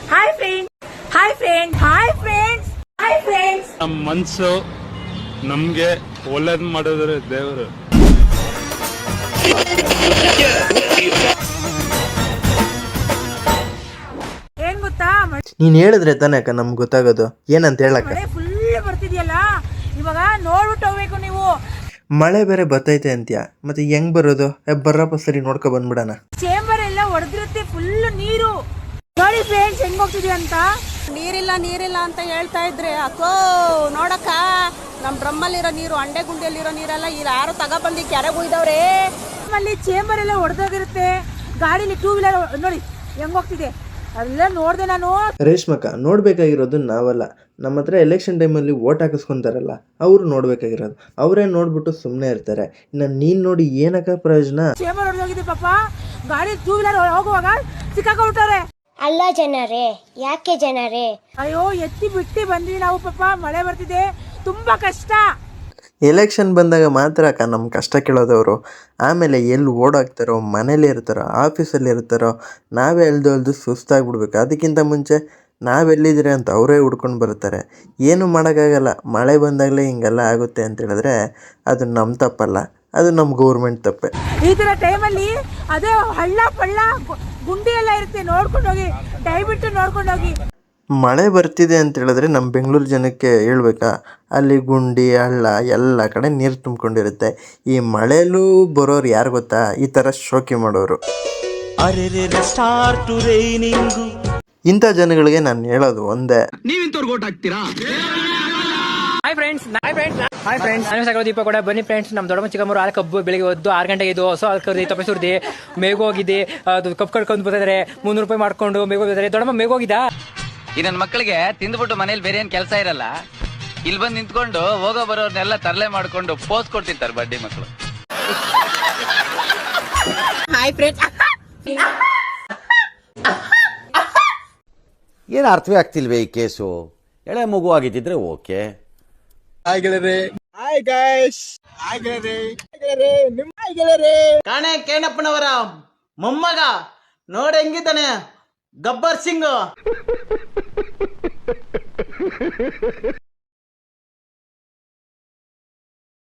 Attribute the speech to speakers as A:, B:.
A: Hi friends, hi friends, hi friends, hi friends.
B: ನಮ್ಮ ಮನ್ಸು ನಮ್ಗೆ ಒಳ್ಳೇದ್ ಮಾಡಿದ್ರೆ ದೇವರು.
A: ಏನ್ ಗೊತ್ತಾ,
C: ನೀನ್ ಹೇಳಿದ್ರೆ ತಾನೇ ಅಕ್ಕ ನಮ್ಗೆ ಗೊತ್ತಾಗೋದು ಏನಂತ ಹೇಳಕ್ಕ.
A: ಮಳೆ ಫುಲ್ ಬರ್ತಿದ್ಯಲ್ಲ, ಇವಾಗ ನೋಡ್ಬಿಟ್ಟು ಹೋಗ್ಬೇಕು ನೀವು.
C: ಮಳೆ ಬೇರೆ ಬರ್ತೈತೆ ಅಂತ್ಯ, ಮತ್ತೆ ಹೆಂಗ್ ಬರೋದು? ಬರ್ರಪ್ಪ ಸರಿ ನೋಡ್ಕೊ ಬಂದ್ಬಿಡಣ.
A: ಚೇಂಬರ್ ಎಲ್ಲ ಒಡೆದಿರುತ್ತೆ, ಫುಲ್ ನೀರು. ನೋಡಿ ಫ್ರೆಂಡ್ಸ್ ಹೆಂಗ್ ಹೋಗ್ತಿದೆ ಅಂತ.
D: ನೀರಿಲ್ಲ ಅಂತ ಹೇಳ್ತಾ ಇದ್ರೆ ಅಕ್ಕೋ ನೋಡಕ್ಕ, ನಮ್ ಡ್ರಮ್ಮಲ್ಲಿರೋ ನೀರು, ಅಂಡೆ ಗುಂಡಿಯಲ್ಲಿರೋ ನೀರೆಲ್ಲ ಯಾರು ತಗೊಬಂದು ಕೆರೆಗೆ ಉಯ್ದವ್ರೆ.
A: ಅಲ್ಲಿ ಚೇಂಬರ್ ಎಲ್ಲ ಒಡೆದೋಗಿರುತ್ತೆ, ಗಾಡಿಲಿ ಟೂ ವೀಲರ್ ನೋಡಿ ಹೆಂಗ್ ಹೋಗ್ತಿದೆ, ಎಲ್ಲ ನೋಡ್ದೆ ನಾನು.
C: ರೇಷ್ಮಕ್ಕ, ನೋಡ್ಬೇಕಾಗಿರೋದು ನಾವಲ್ಲ, ನಮ್ಮ ಹತ್ರ ಎಲೆಕ್ಷನ್ ಟೈಮಲ್ಲಿ ಓಟ್ ಹಾಕಿಸ್ಕೊಂತಾರಲ್ಲ ಅವ್ರು ನೋಡ್ಬೇಕಾಗಿರೋದು. ಅವರೇ ನೋಡ್ಬಿಟ್ಟು ಸುಮ್ಮನೆ ಇರ್ತಾರೆ. ಇನ್ನು ನೀನ್ ನೋಡಿ ಏನಕ್ಕ ಪ್ರಯೋಜನ?
A: ಚೇಂಬರ್ ಹೊಡೆದೋಗಿದೆ ಪಾಪ, ಗಾಡಿ ಟೂ ವೀಲರ್ ಹೋಗುವಾಗ ಸಿಕ್ಕಾಕೊಂಡ್ಬಿಟ್ಟವ್ರೆ.
E: ಅಲ್ಲ ಜನರೇ, ಯಾಕೆ ಜನರೇ?
A: ಅಯ್ಯೋ ಎತ್ತಿ ಬಿಟ್ಟಿ ಬಂದ್ವಿ ನಾವು ಪಾಪ, ಮಳೆ ಬರ್ತಿದೆ, ತುಂಬಾ ಕಷ್ಟ.
C: ಎಲೆಕ್ಷನ್ ಬಂದಾಗ ಮಾತ್ರ ಅಕ್ಕ ನಮ್ಮ ಕಷ್ಟ ಕೇಳೋದವರು. ಆಮೇಲೆ ಎಲ್ಲಿ ಓಡಾಕ್ತಾರೋ, ಮನೇಲಿ ಇರ್ತಾರೋ, ಆಫೀಸಲ್ಲಿ ಇರ್ತಾರೋ, ನಾವೇ ಎಲ್ದು ಸುಸ್ತಾಗ್ಬಿಡ್ಬೇಕು. ಅದಕ್ಕಿಂತ ಮುಂಚೆ ನಾವೆಲ್ಲಿದ್ದೀರಿ ಅಂತ ಅವರೇ ಹುಡ್ಕೊಂಡು ಬರ್ತಾರೆ. ಏನು ಮಾಡೋಕ್ಕಾಗಲ್ಲ, ಮಳೆ ಬಂದಾಗಲೇ ಹಿಂಗೆಲ್ಲ ಆಗುತ್ತೆ ಅಂತ ಹೇಳಿದ್ರೆ ಅದು ನಮ್ಮ ತಪ್ಪಲ್ಲ, ಅದು ನಮ್ಮ ಗೌರ್ಮೆಂಟ್ ತಪ್ಪೆ.
A: ಈ ಥರ ಟೈಮಲ್ಲಿ ಅದೇ ಹಳ್ಳ ಪಳ್ಳ ಗುಂಡಿ ಎಲ್ಲ ಇರುತ್ತೆ, ನೋಡ್ಕೊಂಡು ಹೋಗಿ, ದಯವಿಟ್ಟು ನೋಡ್ಕೊಂಡು ಹೋಗಿ.
C: ಮಳೆ ಬರ್ತಿದೆ ಅಂತ ಹೇಳಿದ್ರೆ ನಮ್ಮ ಬೆಂಗಳೂರು ಜನಕ್ಕೆ ಹೇಳ್ಬೇಕಾ, ಅಲ್ಲಿ ಗುಂಡಿ ಹಳ್ಳ ಎಲ್ಲ ಕಡೆ ನೀರು ತುಂಬಿಕೊಂಡಿರುತ್ತೆ. ಈ ಮಳೆಯಲ್ಲೂ ಬರೋರು ಯಾರು ಗೊತ್ತಾ? ಈ ಥರ ಶೋಕಿ ಮಾಡೋರು. ಇಂಥ ಜನಗಳಿಗೆ ನಾನು ಹೇಳೋದು ಒಂದೇ,
F: ಹಾಯ್ ಫ್ರೆಂಡ್ಸ್, ನಾನು ದೀಪ ಕೂಡ ಬನ್ನಿ ಫ್ರೆಂಡ್ಸ್. ನಮ್ಮ ದೊಡ್ಡಮ್ಮ ಚಿಕ್ಕಮ್ಮರು ಹಾಲು ಕಬ್ಬು ಬೆಳಿಗ್ಗೆ ಹೊದ್ದು 6 ಗಂಟೆಗೆ ಇದು ಹೊಸ ಹಾಲು ಕರ್ದಿ ತಪ್ಪೆ ಸುರ್ದಿ ಮೇಗೋಗಿದೆ. ಅದು ಕಬ್ಬು ಕಡ್ಕೊಂಡು ಬರ್ತಿದ್ದಾರೆ, 300 ರೂಪಾಯಿ ಮಾಡ್ಕೊಂಡು ಮೇಗೋಗಿದ್ದಾರೆ. ದೊಡ್ಡಮ್ಮ ಮೇಗೋಗಿದ್ದ.
G: ಈ ನನ್ನ ಮಕ್ಕಳಿಗೆ ತಿಂದ್ಬಿಟ್ಟು ಮನೇಲಿ ಬೇರೆ ಏನ್ ಕೆಲಸ ಇರಲ್ಲ, ಇಲ್ಲಿ ಬಂದು ನಿಂತ್ಕೊಂಡು ಹೋಗೋ ಬರೋರ್ನೆಲ್ಲ ತರಲೆ ಮಾಡ್ಕೊಂಡು ಪೋಸ್ ಕೊಡ್ತಿರ್ತಾರೆ ಬಡ್ಡಿ ಮಕ್ಕಳು.
D: Hi friends.
H: ಏನು ಅರ್ಥವೇ ಆಗ್ತಿಲ್ವೇ ಈ ಕೇಸು? ಎಳೆ ಮಗು ಆಗಿದ್ದಿದ್ರೆ ಓಕೆ.
I: ಕಾಣೆ ಕೇಣಪ್ಪನವರ ಮೊಮ್ಮಗ ನೋಡ ಹೆಂಗಿದ್ದಾನೆ, ಗಬ್ಬರ್ ಸಿಂಗ್.